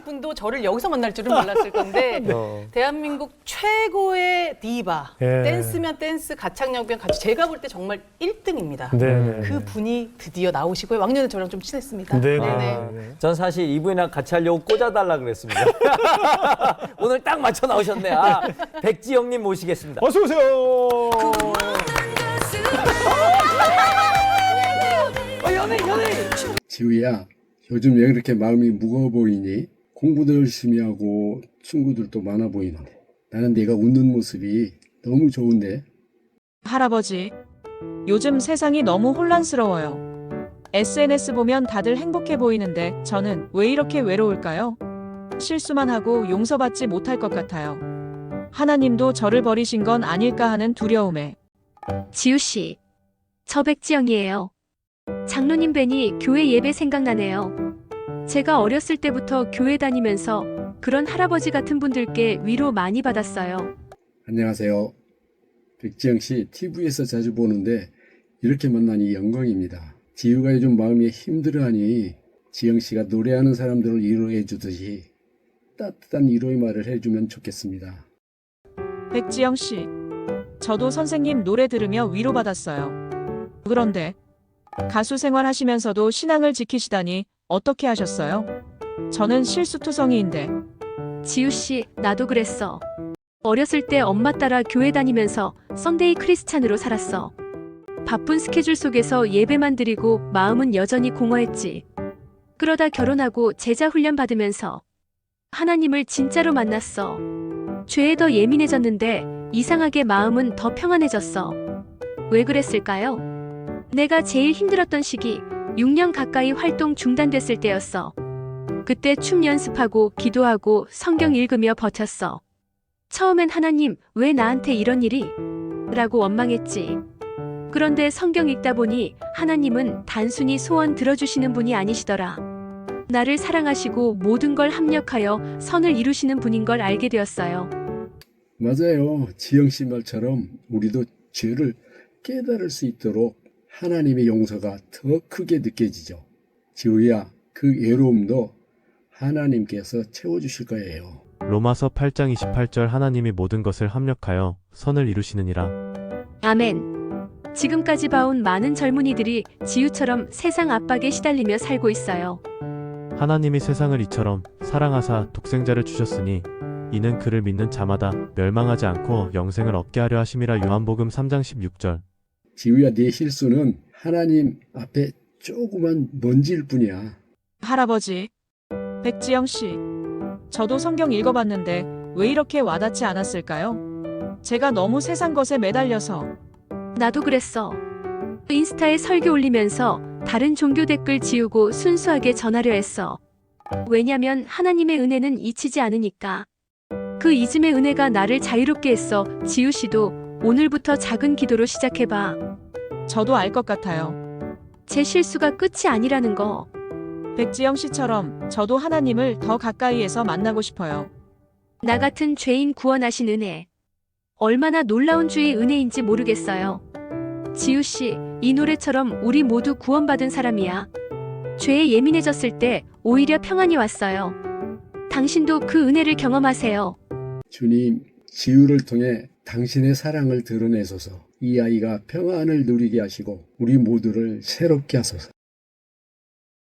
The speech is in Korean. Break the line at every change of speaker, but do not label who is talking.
분도 저를 여기서 만날 줄은 몰랐을 건데 대한민국 최고의 디바,
예.
댄스면 댄스, 가창력면 가창, 제가 볼 때 정말 1등입니다.
네.
그 분이 드디어 나오시고요. 왕년에 저랑 좀 친했습니다.
네.
네네.
전 사실 이분이랑 같이 하려고 꽂아달라 그랬습니다. 오늘 딱 맞춰 나오셨네. 아, 백지영님 모시겠습니다.
어서 오세요.
연예인.
지우야, 요즘 왜 그렇게 마음이 무거워 보이니? 공부도 열심히 하고 친구들도 많아 보이는데 나는 네가 웃는 모습이 너무 좋은데.
할아버지, 요즘 세상이 너무 혼란스러워요. SNS 보면 다들 행복해 보이는데 저는 왜 이렇게 외로울까요? 실수만 하고 용서받지 못할 것 같아요. 하나님도 저를 버리신 건 아닐까 하는 두려움에.
지우 씨, 저 백지영이에요. 장로님 뵈니 교회 예배 생각나네요. 제가 어렸을 때부터 교회 다니면서 그런 할아버지 같은 분들께 위로 많이 받았어요.
안녕하세요. 백지영 씨 TV에서 자주 보는데 이렇게 만나니 영광입니다. 지우가 요즘 마음이 힘들어하니 지영 씨가 노래하는 사람들을 위로해 주듯이 따뜻한 위로의 말을 해주면 좋겠습니다.
백지영 씨, 저도 선생님 노래 들으며 위로받았어요. 그런데 가수 생활하시면서도 신앙을 지키시다니 어떻게 하셨어요? 저는 실수투성이인데.
지우 씨, 나도 그랬어. 어렸을 때 엄마 따라 교회 다니면서 썬데이 크리스찬으로 살았어. 바쁜 스케줄 속에서 예배만 드리고 마음은 여전히 공허했지. 그러다 결혼하고 제자 훈련 받으면서 하나님을 진짜로 만났어. 죄에 더 예민해졌는데 이상하게 마음은 더 평안해졌어. 왜 그랬을까요? 내가 제일 힘들었던 시기 6년 가까이 활동 중단됐을 때였어. 그때 춤 연습하고 기도하고 성경 읽으며 버텼어. 처음엔 하나님, 왜 나한테 이런 일이? 라고 원망했지. 그런데 성경 읽다 보니 하나님은 단순히 소원 들어주시는 분이 아니시더라. 나를 사랑하시고 모든 걸 합력하여 선을 이루시는 분인 걸 알게 되었어요.
맞아요. 지영 씨 말처럼 우리도 죄를 깨달을 수 있도록 하나님의 용서가 더 크게 느껴지죠. 지우야, 그 외로움도 하나님께서 채워주실 거예요.
로마서 8장 28절 하나님이 모든 것을 합력하여 선을 이루시느니라.
아멘. 지금까지 봐온 많은 젊은이들이 지우처럼 세상 압박에 시달리며 살고 있어요.
하나님이 세상을 이처럼 사랑하사 독생자를 주셨으니 이는 그를 믿는 자마다 멸망하지 않고 영생을 얻게 하려 하심이라. 요한복음 3장 16절.
지우야, 네 실수는 하나님 앞에 조그만 먼지일 뿐이야.
할아버지, 백지영 씨, 저도 성경 읽어봤는데 왜 이렇게 와닿지 않았을까요? 제가 너무 세상 것에 매달려서.
나도 그랬어. 인스타에 설교 올리면서 다른 종교 댓글 지우고 순수하게 전하려 했어. 왜냐면 하나님의 은혜는 잊히지 않으니까. 그 잊음의 은혜가 나를 자유롭게 했어. 지우 씨도 오늘부터 작은 기도로 시작해봐.
저도 알 것 같아요.
제 실수가 끝이 아니라는 거.
백지영 씨처럼 저도 하나님을 더 가까이에서 만나고 싶어요.
나 같은 죄인 구원하신 은혜. 얼마나 놀라운 주의 은혜인지 모르겠어요. 지우 씨, 이 노래처럼 우리 모두 구원받은 사람이야. 죄에 예민해졌을 때 오히려 평안이 왔어요. 당신도 그 은혜를 경험하세요.
주님, 지우를 통해 당신의 사랑을 드러내소서. 이 아이가 평안을 누리게 하시고 우리 모두를 새롭게 하소서.